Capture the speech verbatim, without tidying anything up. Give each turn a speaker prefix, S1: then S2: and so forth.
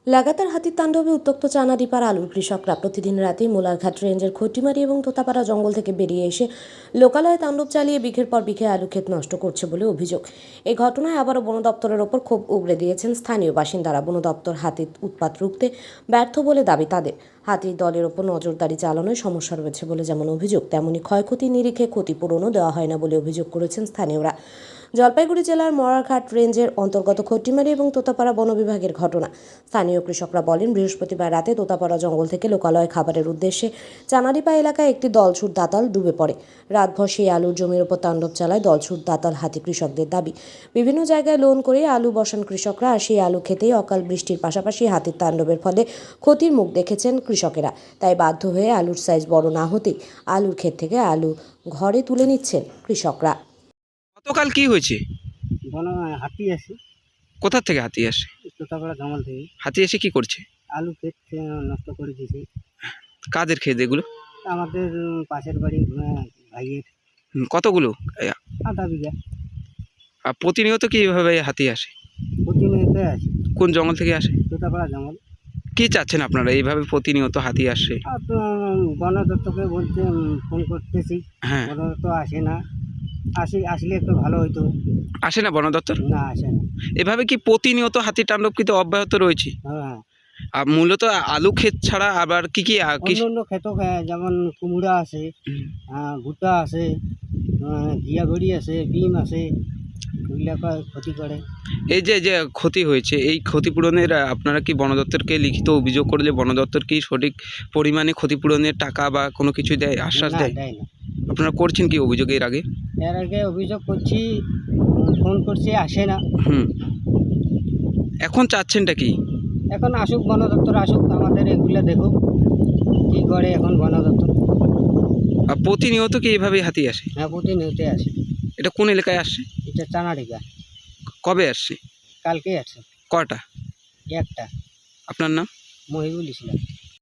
S1: লাগাতার হাতির তাণ্ডবে উত্তপ্ত চানাডিপাড়া আলুর কৃষকরা প্রতিদিন রাতেই মোলারঘাট রেঞ্জের খটিমারি এবং তোতাপাড়া জঙ্গল থেকে বেরিয়ে এসে লোকালয়ে তাণ্ডব চালিয়ে বিঘের পর বিঘে আলু ক্ষেত নষ্ট করছে বলে অভিযোগ। এই ঘটনায় আবারও বন দপ্তরের ওপর ক্ষোভ উগরে দিয়েছেন স্থানীয় বাসিন্দারা। বন দপ্তর হাতির উৎপাত রুখতে ব্যর্থ বলে দাবি তাদের। হাতির দলের ওপর নজরদারি চালানোয় সমস্যা রয়েছে বলে যেমন অভিযোগ, তেমনি ক্ষয়ক্ষতির নিরিখে ক্ষতিপূরণও দেওয়া হয় না বলে অভিযোগ করেছেন স্থানীয়রা। জলপাইগুড়ি জেলার মরারঘাট রেঞ্জের অন্তর্গত খটিমারি এবং তোতাপাড়া বন বিভাগের ঘটনা। স্থানীয় কৃষকরা বলেন, বৃহস্পতিবার রাতে তোতাপাড়া জঙ্গল থেকে লোকালয়ে খাবারের উদ্দেশ্যে চানাডিপা এলাকায় একটি দলছুট দাতাল ডুবে পড়ে। রাতভর সেই আলুর জমির ওপর তাণ্ডব চালায় দলছুট দাতাল হাতি। কৃষকদের দাবি, বিভিন্ন জায়গায় লোন করে আলু বসান কৃষকরা, আর সেই আলু খেতেই অকাল বৃষ্টির পাশাপাশি হাতির তাণ্ডবের ফলে ক্ষতির মুখ দেখেছেন কৃষকেরা। তাই বাধ্য হয়ে আলুর সাইজ বড় না হতেই আলুর ক্ষেত থেকে আলু ঘরে তুলে নিচ্ছেন কৃষকরা।
S2: গতকাল কি হয়েছে?
S3: বন হাতি আসে,
S2: কোথা থেকে হাতি আসে?
S3: তোতাপাড়া জঙ্গল থেকে
S2: হাতি এসে কি করছে?
S3: আলু ক্ষেত আহ, নষ্ট করে দিয়েছে।
S2: কাদের ক্ষেত এগুলো?
S3: আমাদের উম, পাশের বাড়ি আহ, ভাইয়ের
S2: হুম, কতগুলো? এ,
S3: আধা বিঘা
S2: আর প্রতিনিয়ত কি এভাবে হাতি আসে?
S3: প্রতিনিয়ত আছে।
S2: কোন জঙ্গল থেকে আসে?
S3: তোতাপাড়া জঙ্গল।
S2: কি চাচ্ছেন আপনারা এইভাবে প্রতিনিয়ত হাতি আসে?
S3: আর তো উম, বন দপ্তরকে বলতে উম, ফোন করতেছি,
S2: হ্যাঁ,
S3: বন দপ্তর আসে না। আসি আসলে একটু ভালো হইতো।
S2: আসে না বন দপ্তর?
S3: না, আসে না।
S2: এভাবে কি প্রতিনিয়ত হাতি তাণ্ডব কিন্তু অব্যাহত রয়েছে?
S3: হ্যাঁ,
S2: আর মূলত আলু ক্ষেত ছাড়া আবার কি কি আ, কি
S3: অন্য অন্য ক্ষেত যেমন কুমড়া আছে,
S2: হুম,
S3: আহ, ভুট্টা আছে, আহ, ঘিয়াঘড়ি আছে, বিম আছে, ওইগুলা ক্ষতি করে।
S2: এই যে যে ক্ষতি হয়েছে, এই ক্ষতিপূরণের আ, আপনারা কি বন দপ্তরকে লিখিত অভিযোগ করলে বন দপ্তর কি সঠিক পরিমাণে ক্ষতিপূরণের টাকা বা কোনো কিছু দেয়, আশ্বাস
S3: না,
S2: দেয়?
S3: দেয় না।
S2: আপনারা করছেন কি অভিযোগ এর আগে?
S3: এর আগে অভিযোগ করছি, উম, ফোন করছি, আসে না।
S2: হুম, এখন চাচ্ছেনটা কি?
S3: এখন আসুক, বন দপ্তর আসুক, আমাদের এগুলো দেখুক কী করে এখন বন দপ্তর।
S2: আর প্রতিনিয়ত কি এভাবে হাতি আসে?
S3: হ্যাঁ, প্রতিনিয়ত আসে।
S2: এটা কোন এলাকায় আসছে?
S3: এটা চানাডিগা।
S2: কবে আসছে?
S3: কালকে আসছে
S2: কটা?
S3: একটা।
S2: আপনার নাম?
S3: মহিবুল ইসলাম।